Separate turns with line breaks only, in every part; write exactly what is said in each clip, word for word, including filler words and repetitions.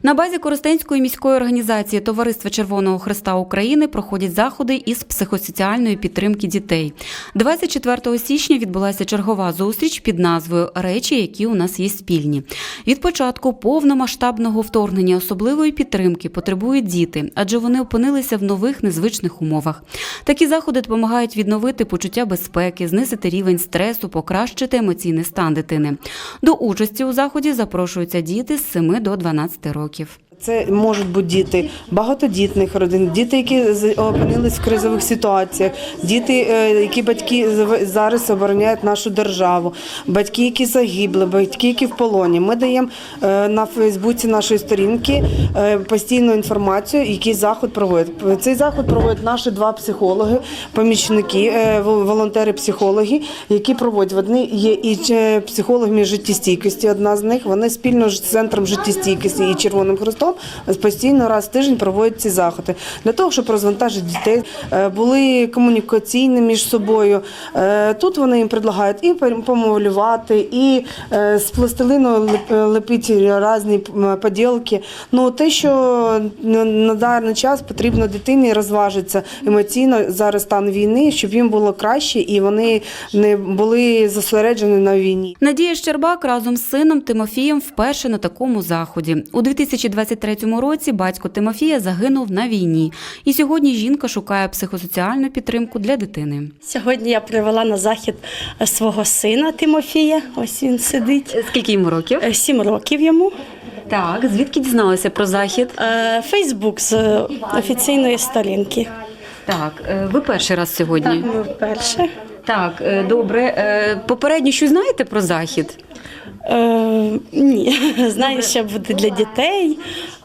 На базі Коростенської міської організації Товариства Червоного Хреста України проходять заходи із психосоціальної підтримки дітей. двадцять четвертого січня відбулася чергова зустріч під назвою «Речі, які у нас є спільні». Від початку повномасштабного вторгнення особливої підтримки потребують діти, адже вони опинилися в нових незвичних умовах. Такі заходи допомагають відновити почуття безпеки, знизити рівень стресу, покращити емоційний стан дитини. До участі у заході запрошуються діти з семи до дванадцяти років.
Це можуть бути діти багатодітних родин, діти, які опинились в кризових ситуаціях, діти, які батьки зараз обороняють нашу державу, батьки, які загибли, батьки, які в полоні. Ми даємо на Фейсбуці нашої сторінки постійну інформацію, який заход проводять. Цей заход проводять наші два психологи, помічники, волонтери-психологи, які проводять. Вони є і психологами життєстійкості, одна з них, вони спільно з Центром життєстійкості і Червоним Хрестом постійно раз в тиждень проводять ці заходи. Для того, щоб розвантажити дітей, були комунікаційні між собою. Тут вони їм предлагають і помалювати, і з пластилину лепити різні поділки. Ну, те, що на даний час потрібно дитині розважитися емоційно, зараз стан війни, щоб їм було краще і вони не були зосереджені на війні.
Надія Щербак разом з сином Тимофієм вперше на такому заході. У дві тисячі двадцять третьому році батько Тимофія загинув на війні. І сьогодні жінка шукає психосоціальну підтримку для дитини.
Сьогодні я привела на захід свого сина Тимофія. Ось він сидить.
Скільки йому років?
Сім років йому.
Так, звідки дізналися про захід?
Фейсбук з офіційної сторінки.
Так, ви перший раз сьогодні?
Так, ми вперше.
Так, добре. Попередньо щось знаєте про захід?
Е, ні, знаю, що буде для дітей,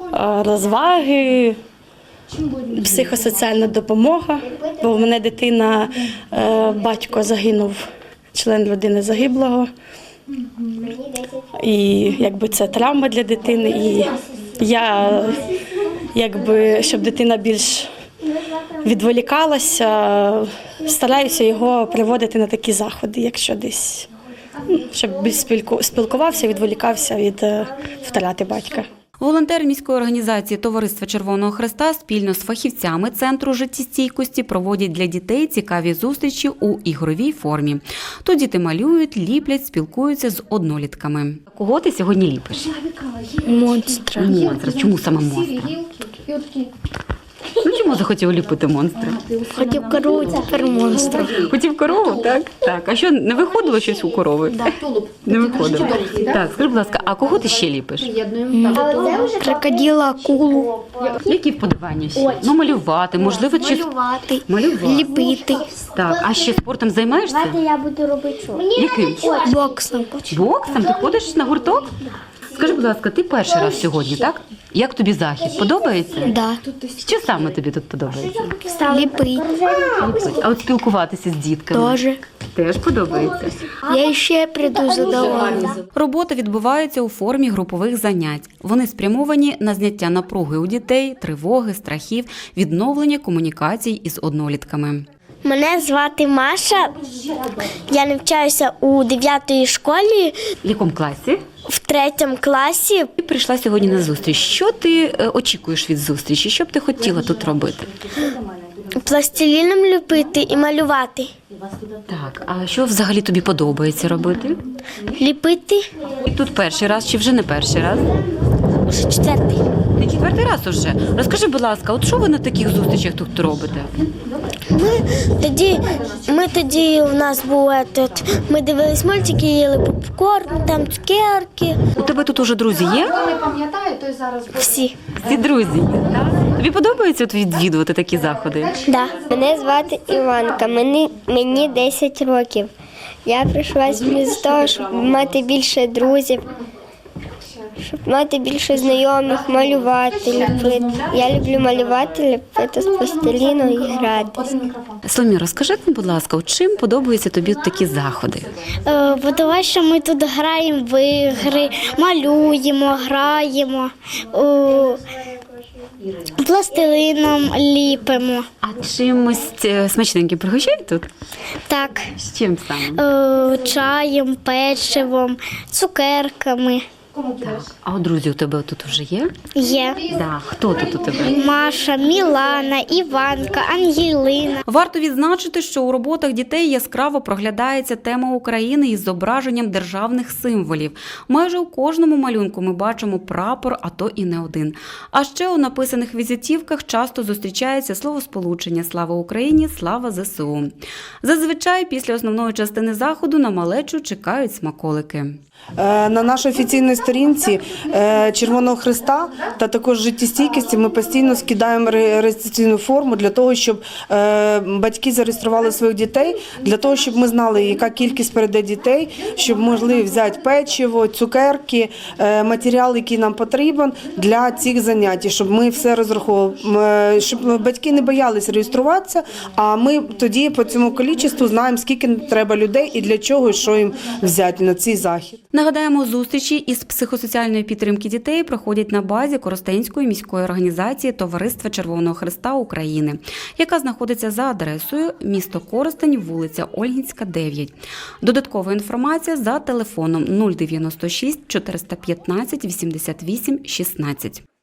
розваги, психосоціальна допомога, бо в мене дитина, батько загинув, член родини загиблого, і якби це травма для дитини, і я, якби, щоб дитина більш відволікалася, стараюся його приводити на такі заходи, якщо десь, щоб більш спілкувався, відволікався від втрати батька.
Волонтери міської організації Товариства Червоного Хреста спільно з фахівцями Центру життєстійкості проводять для дітей цікаві зустрічі у ігровій формі. Тут діти малюють, ліплять, спілкуються з однолітками. Кого ти сьогодні ліпиш?
Монстра.
Монстра. Чому саме монстра? Ну, чому захотів ліпити монстра?
Хотів корову, тепер монстра.
Хотів корову, так? Так. А що, не виходило щось у корови? Не виходило. Так, скажи, будь ласка, а кого ти ще ліпиш?
Крокодила, акулу.
Які вподобання ще? Ну, малювати, можливо, чи...
Малювати,
Малювати.
ліпити.
Так, а ще спортом займаєшся?
Я буду робити що?
Яким?
Боксом.
Боксом? Ти ходиш на гурток? Скажи, будь ласка, ти перший раз сьогодні, так? Як тобі захід? Подобається?
Да.
Що саме тобі тут подобається?
Ліпити.
А от спілкуватися з дітками?
Тоже.
Теж подобається?
Я ще прийду задоволена.
Робота відбувається у формі групових занять. Вони спрямовані на зняття напруги у дітей, тривоги, страхів, відновлення комунікацій із однолітками.
Мене звати Маша. Я навчаюся у дев'ятій школі,
В якому класі?
в третьому класі.
Ти прийшла сьогодні на зустріч. Що ти е, очікуєш від зустрічі? Що б ти хотіла тут робити?
Пластиліном ліпити і малювати.
Так, а що взагалі тобі подобається робити?
Ліпити
І тут перший раз чи вже не перший раз?
уже четвертий.
Не четвертий раз уже. Розкажи, будь ласка, от що ви на таких зустрічах тут робите?
Ми тоді, ми тоді у нас був этот, ми дивились мультики, їли попкорн, там цукерки.
У тебе тут уже друзі є?
Всі.
Всі друзі є, так? Тобі подобається от відвідувати такі заходи?
Да. Мене звати Іванка, мені, мені десять років. Я прийшла сюди з того, щоб мати більше друзів, щоб мати більше знайомих, малювати, ліпити. Я люблю малювати, ліпити з пластиліну і гратися.
Соломія, розкажи нам, будь ласка, от чим подобаються тобі такі заходи?
Е, бо тому що ми тут граємо в ігри, малюємо, граємо, о, пластилином ліпимо.
А чимось е, смачненьким пригощають тут?
Так,
З чим саме?
е, чаєм, печивом, цукерками.
Так. А от друзі у тебе тут вже є?
Є
Да. Хто тут у тебе?
Маша, Мілана, Іванка, Ангелина.
Варто відзначити, що у роботах дітей яскраво проглядається тема України із зображенням державних символів. Майже у кожному малюнку ми бачимо прапор, а то і не один. А ще у написаних візитівках часто зустрічається словосполучення «Слава Україні», «Слава ЗСУ». Зазвичай після основної частини заходу на малечу чекають смаколики.
Е, На нашій офіційній сторінці е, Червоного Хреста та також життєстійкості ми постійно скидаємо ре- реєстраційну форму для того, щоб е, батьки зареєстрували своїх дітей, для того, щоб ми знали, яка кількість перейде дітей, щоб могли взяти печиво, цукерки, е, матеріал, який нам потрібен для цих занять, щоб ми все розраховували, М, щоб батьки не боялись реєструватися, а ми тоді по цьому кількості знаємо, скільки треба людей і для чого, і що їм взяти на цей захід.
Нагадаємо, зустрічі із психосоціальної підтримки дітей проходять на базі Коростенської міської організації Товариства Червоного Хреста України, яка знаходиться за адресою місто Коростень, вулиця Ольгінська, дев'ять. Додаткова інформація за телефоном нуль дев'яносто шість чотириста п'ятнадцять вісімдесят вісім шістнадцять.